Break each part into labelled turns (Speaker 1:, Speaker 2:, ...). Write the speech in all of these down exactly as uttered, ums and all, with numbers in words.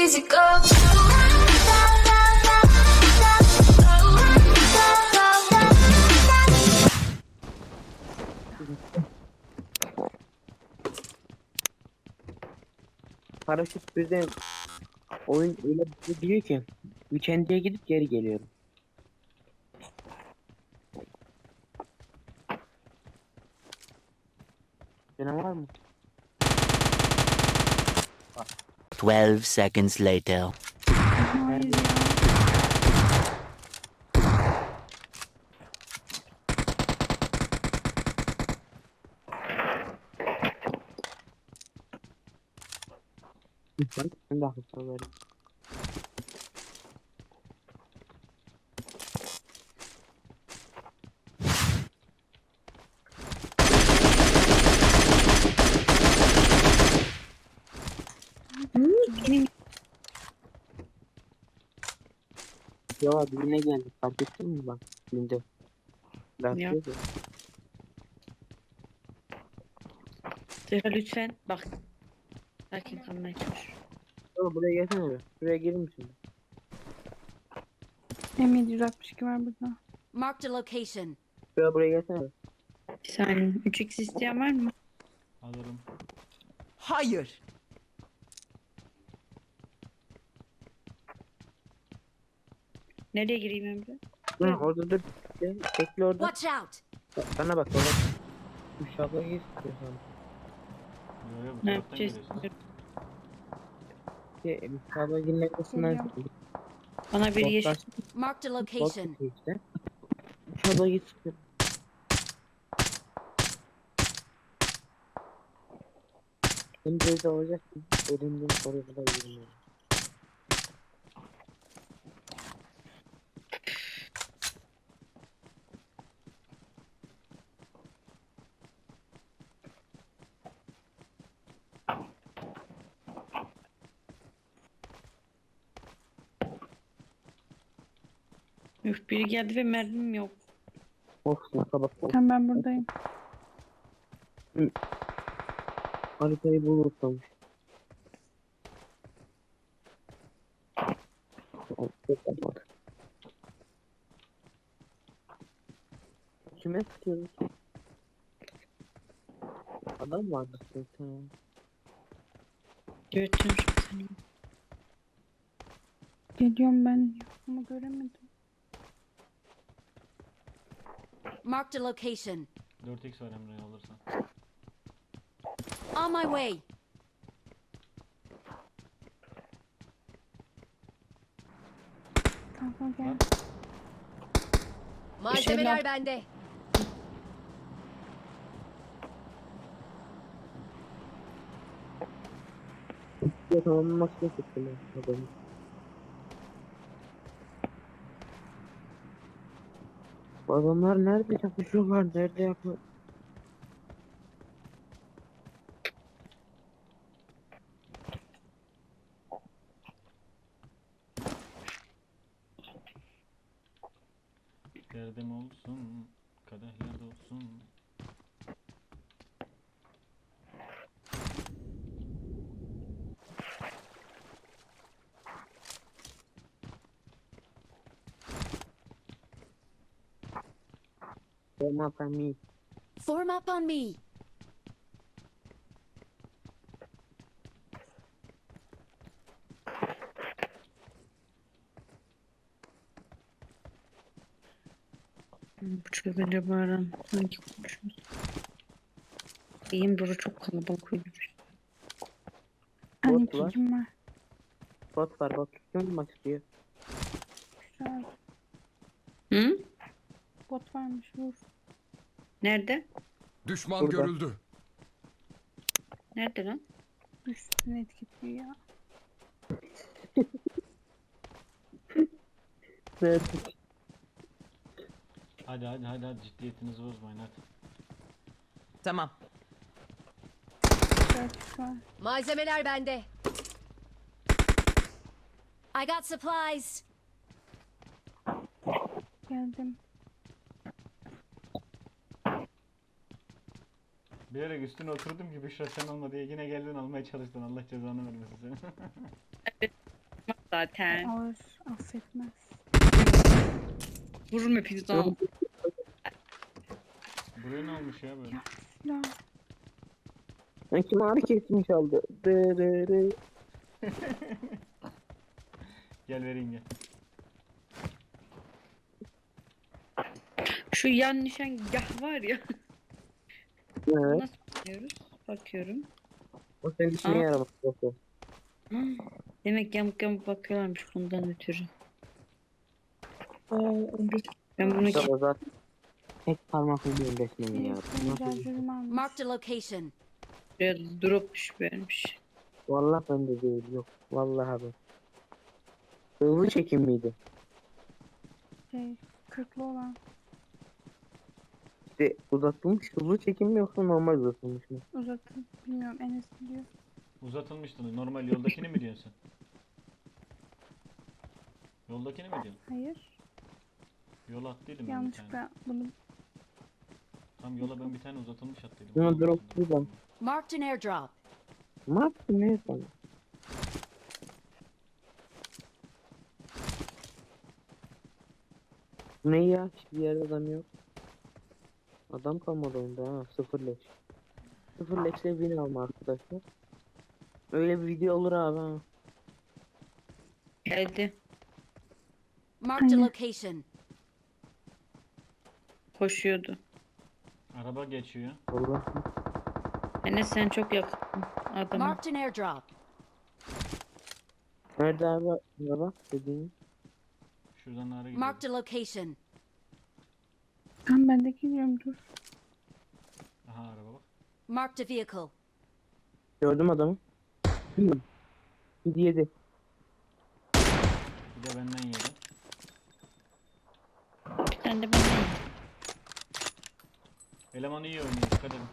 Speaker 1: easy go.
Speaker 2: Paraşüt birden oyun öyle bir şey diyor ki Weekend'e gidip geri geliyorum. Senin var mı?
Speaker 3: twelve seconds later.
Speaker 4: Hayır ya.
Speaker 2: Lütfen. Ben de hafıza vereyim.
Speaker 4: Benim
Speaker 2: Ya birine geldi. Fark ettin mi bak? Şimdi. Ben
Speaker 4: Ya.
Speaker 2: diyordu.
Speaker 4: Zehra lütfen bak. Sakin kalmaya çalış.
Speaker 2: Ya buraya gelsene be. Buraya gelir misin?
Speaker 5: M yedi yüz altmış iki var burada.
Speaker 6: Marked a location.
Speaker 2: Ya buraya gelsene be.
Speaker 4: Bir saniye. üç x isteyen var mı?
Speaker 7: Alırım.
Speaker 8: Hayır.
Speaker 4: Nereye gireyim Emre?
Speaker 2: Hı, orada dur. Bekle, bekle orada.
Speaker 6: Watch out.
Speaker 2: Bak, bana bak orada. Uşakla gir. istiyorsan.
Speaker 7: Yo yo bu
Speaker 4: Ne
Speaker 7: taraftan
Speaker 4: yapacağız?
Speaker 7: geliyorsun.
Speaker 2: Şey, uşakla girmek arasından
Speaker 5: Geliyorum.
Speaker 4: Bana bir yeşil.
Speaker 6: Marked a
Speaker 2: Bot
Speaker 6: location.
Speaker 2: tutuyor işte. Uşakla git. sıkıyor. Ben böyle olacak ki elimden oraya kadar girmiyorum.
Speaker 4: Üf, biri geldi ve mermim yok.
Speaker 2: Of sınıfa bak. Of.
Speaker 5: Tamam ben buradayım.
Speaker 2: Haritayı bulurum sanmış. Of, çok bak. Kime sıkıyoruz? Adam vardı zaten.
Speaker 4: Götür seni.
Speaker 5: Geliyorum ben ama göremedim.
Speaker 6: Marked a location.
Speaker 7: dört x var Emre'yi alırsan.
Speaker 6: On my way.
Speaker 5: Kanka gel.
Speaker 6: Malzemeler bende.
Speaker 2: Ya tamamlamak ne sıktım ben adamı. Bu adamlar nerede yapışıyorlar? Nerede yapıyor?
Speaker 7: Derdim olsun, kadehler olsun.
Speaker 2: Olma ben mi?
Speaker 6: Form up on me.
Speaker 4: Bu çöbele bağıran sanki konuşuyoruz. İyiyim bura çok kalabalık uyumuş.
Speaker 5: Hani
Speaker 2: Bot
Speaker 5: iki
Speaker 2: var.
Speaker 5: kim var?
Speaker 2: Bot var bot. Kim olmak istiyor?
Speaker 5: Güzel.
Speaker 4: Hı?
Speaker 5: Bot varmış vur.
Speaker 4: Nerede?
Speaker 9: Düşman
Speaker 2: Burada.
Speaker 9: görüldü.
Speaker 4: Nerede lan?
Speaker 5: Üstüne etiketliyor ya.
Speaker 2: Nerede?
Speaker 7: Hadi hadi hadi hadi ciddiyetinizi bozmayın hadi.
Speaker 8: Tamam.
Speaker 5: dört var.
Speaker 6: Malzemeler bende. I got supplies.
Speaker 5: Geldim.
Speaker 7: Bilerek üstüne oturdum ki Büşra sen olma diye yine geldin almaya çalıştın Allah cezanı vermesin seni.
Speaker 4: Zaten.
Speaker 5: Ağır. Affetmez.
Speaker 4: Vururum hepinizi ama.
Speaker 7: Buraya ne olmuş ya böyle?
Speaker 5: Ya silah.
Speaker 2: Lan kim ağrı kesmiş aldı. Dı dı dı.
Speaker 7: Gel vereyim gel.
Speaker 4: Şu yan nişangah var ya.
Speaker 2: Evet.
Speaker 4: Nasıl bakıyoruz? Bakıyorum.
Speaker 2: O senin işine
Speaker 4: Aa.
Speaker 2: yaramaz. Yoksa.
Speaker 4: Hı, demek yamuk yamuk bakıyorlarmış bundan ötürü. Ben bunu
Speaker 2: Mustafa zaten tek parmak oluyor resmen ya.
Speaker 5: Birisinin şarjörümü almış.
Speaker 6: Marked a location.
Speaker 4: buraya drop düş vermiş.
Speaker 2: Vallahi bende değil yok. Vallahi abi. Hızlı çekim miydi?
Speaker 5: Şey, kırklı olan.
Speaker 2: İşte uzatılmış hızlı çekim mi yoksa normal uzatılmış mı?
Speaker 5: Uzatın. Bilmiyorum. Enes biliyor.
Speaker 7: Uzatılmıştı. Normal yoldakini mi diyorsun sen? Yoldakini mi diyorsun?
Speaker 5: Hayır.
Speaker 7: Yola attıydım ben bir tane.
Speaker 5: Yanlışlıkla bunu
Speaker 7: Tam yola ben bir tane uzatılmış attıydım.
Speaker 2: Buna
Speaker 7: Onu
Speaker 2: drop
Speaker 7: unuttum.
Speaker 2: buradan.
Speaker 6: Marked an airdrop.
Speaker 2: Ne yaptın ne sana? Bu ne ya? Hiçbir yerde adam yok. Adam kalmadı oyunda ha. Sıfır leş. Sıfır leşle win alma arkadaşlar. Öyle bir video olur abi ha.
Speaker 4: Geldi.
Speaker 6: Marked a
Speaker 5: Anne.
Speaker 6: location.
Speaker 4: Koşuyordu.
Speaker 7: Araba geçiyor.
Speaker 2: Allah.
Speaker 4: Enes sen çok yakın adama.
Speaker 6: Marked an airdrop.
Speaker 2: Nerede abi? Araba dediğin.
Speaker 7: Şuradan nara gidiyor.
Speaker 6: Marked a location.
Speaker 5: Tam ben de gidiyorum dur.
Speaker 7: Aha araba bak.
Speaker 6: Marked a vehicle.
Speaker 2: Gördüm adamı. Hmm. Bir yedi.
Speaker 7: Bir de benden yedi.
Speaker 4: Sen de bana iyi.
Speaker 7: Eleman iyi oynuyor. Dikkat edin.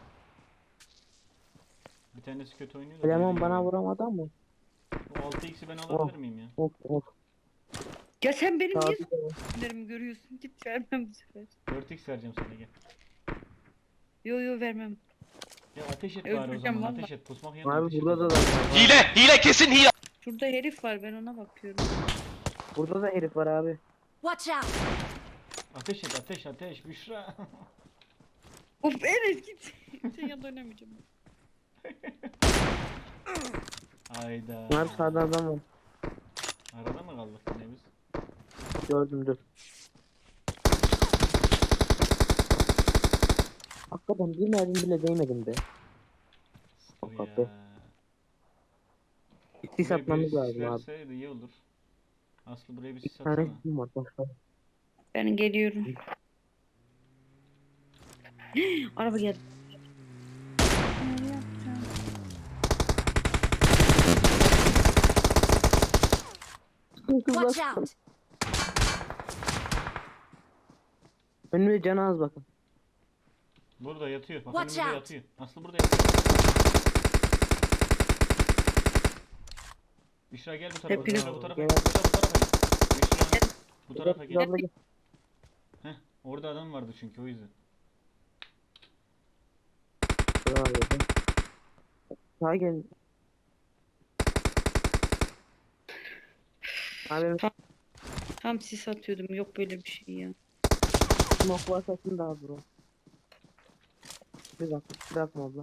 Speaker 7: Bir tanesi kötü oynuyor da.
Speaker 2: Eleman
Speaker 7: diğeri iyi
Speaker 2: bana
Speaker 7: oynuyor.
Speaker 2: vuramadı ama.
Speaker 7: Bu altı x'i ben alabilir miyim ya?
Speaker 2: Of of.
Speaker 4: Ya sen benim niye
Speaker 2: Saat-
Speaker 4: s**lerimi görüyorsun? Git vermem bu sefer.
Speaker 7: dört x vereceğim sana gel.
Speaker 4: Yo yo vermem.
Speaker 7: Ya ateş et
Speaker 4: Öldüreceğim
Speaker 7: bari o zaman.
Speaker 4: valla.
Speaker 7: Ateş et. Pusmak yanına
Speaker 2: Abi
Speaker 7: ateş et.
Speaker 2: burada da adam var.
Speaker 1: Hile!
Speaker 4: Şurada herif var ben ona bakıyorum.
Speaker 2: Burada da herif var abi.
Speaker 6: Watch out.
Speaker 7: Ateş et ateş ateş. Büşra.
Speaker 4: Of Enes git. Sen yanında oynamayacağım.
Speaker 7: Hayda.
Speaker 2: Abi sağda adam var.
Speaker 7: Arada mı kaldık yine biz?
Speaker 2: Gördüm dur. Hakikaten bir mermi bile değmedim be.
Speaker 7: Sıkı
Speaker 2: Hakikaten.
Speaker 7: ya.
Speaker 2: Sis
Speaker 7: Buraya
Speaker 2: atmamız
Speaker 7: birisi
Speaker 2: lazım abi.
Speaker 7: verseydi iyi olur. Aslı buraya bir
Speaker 2: Bir
Speaker 7: sis
Speaker 2: tane
Speaker 7: atsana.
Speaker 2: sisim var başka.
Speaker 4: Ben geliyorum. Araba geldi.
Speaker 5: Nereye yapacağım?
Speaker 6: Watch out.
Speaker 2: Önüme canı az bakın.
Speaker 7: Burada yatıyor. Bak
Speaker 6: Watch
Speaker 7: önümde
Speaker 6: out.
Speaker 7: yatıyor. Aslı burada yatıyor. Büşra gel bu tarafa.
Speaker 4: Hepiniz-
Speaker 7: Büşra bu tarafa.
Speaker 2: Gel.
Speaker 7: Büşra bu tarafa gel. Büşra bu tarafa
Speaker 2: Gel,
Speaker 7: gel.
Speaker 2: gel.
Speaker 7: Heh, orada adam vardı çünkü o yüzden.
Speaker 2: Bravo. Sağa gel. Abi
Speaker 4: Tam sis atıyordum. Yok böyle bir şey ya.
Speaker 2: smoke varsa şunu daha bro. Bir dakika bırakma abla.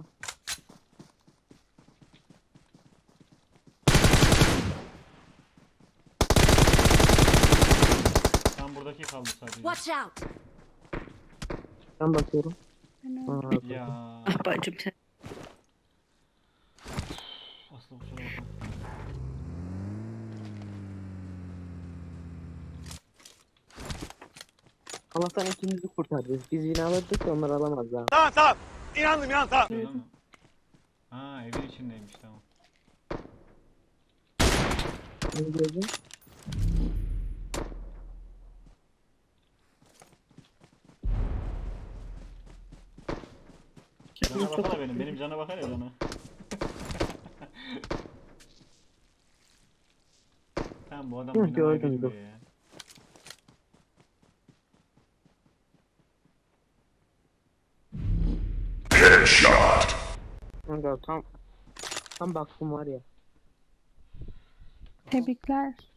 Speaker 7: Tam buradaki kaldı sadece.
Speaker 6: Watch out.
Speaker 2: Ben bakıyorum.
Speaker 5: Ben
Speaker 2: Ha,
Speaker 5: öldüm.
Speaker 2: abi.
Speaker 7: Ya.
Speaker 4: Ah bacım sen.
Speaker 7: Aslı kusura bakma.
Speaker 2: Allah'tan ikimizi kurtardı. Biz yine alırdık da onlar alamaz ha.
Speaker 1: Tamam tamam. İnandım inan tamam.
Speaker 7: Öyle mi? Ha evin içindeymiş tamam.
Speaker 2: Ne diyordun?
Speaker 7: Cana bakana benim. Benim cana bakar ya cana. Tamam bu adam
Speaker 2: Hı,
Speaker 7: oynamaya
Speaker 2: gördüm,
Speaker 7: bilmiyor
Speaker 2: dur.
Speaker 7: ya.
Speaker 2: Kanka tam tam baktım var ya.
Speaker 5: Tebrikler.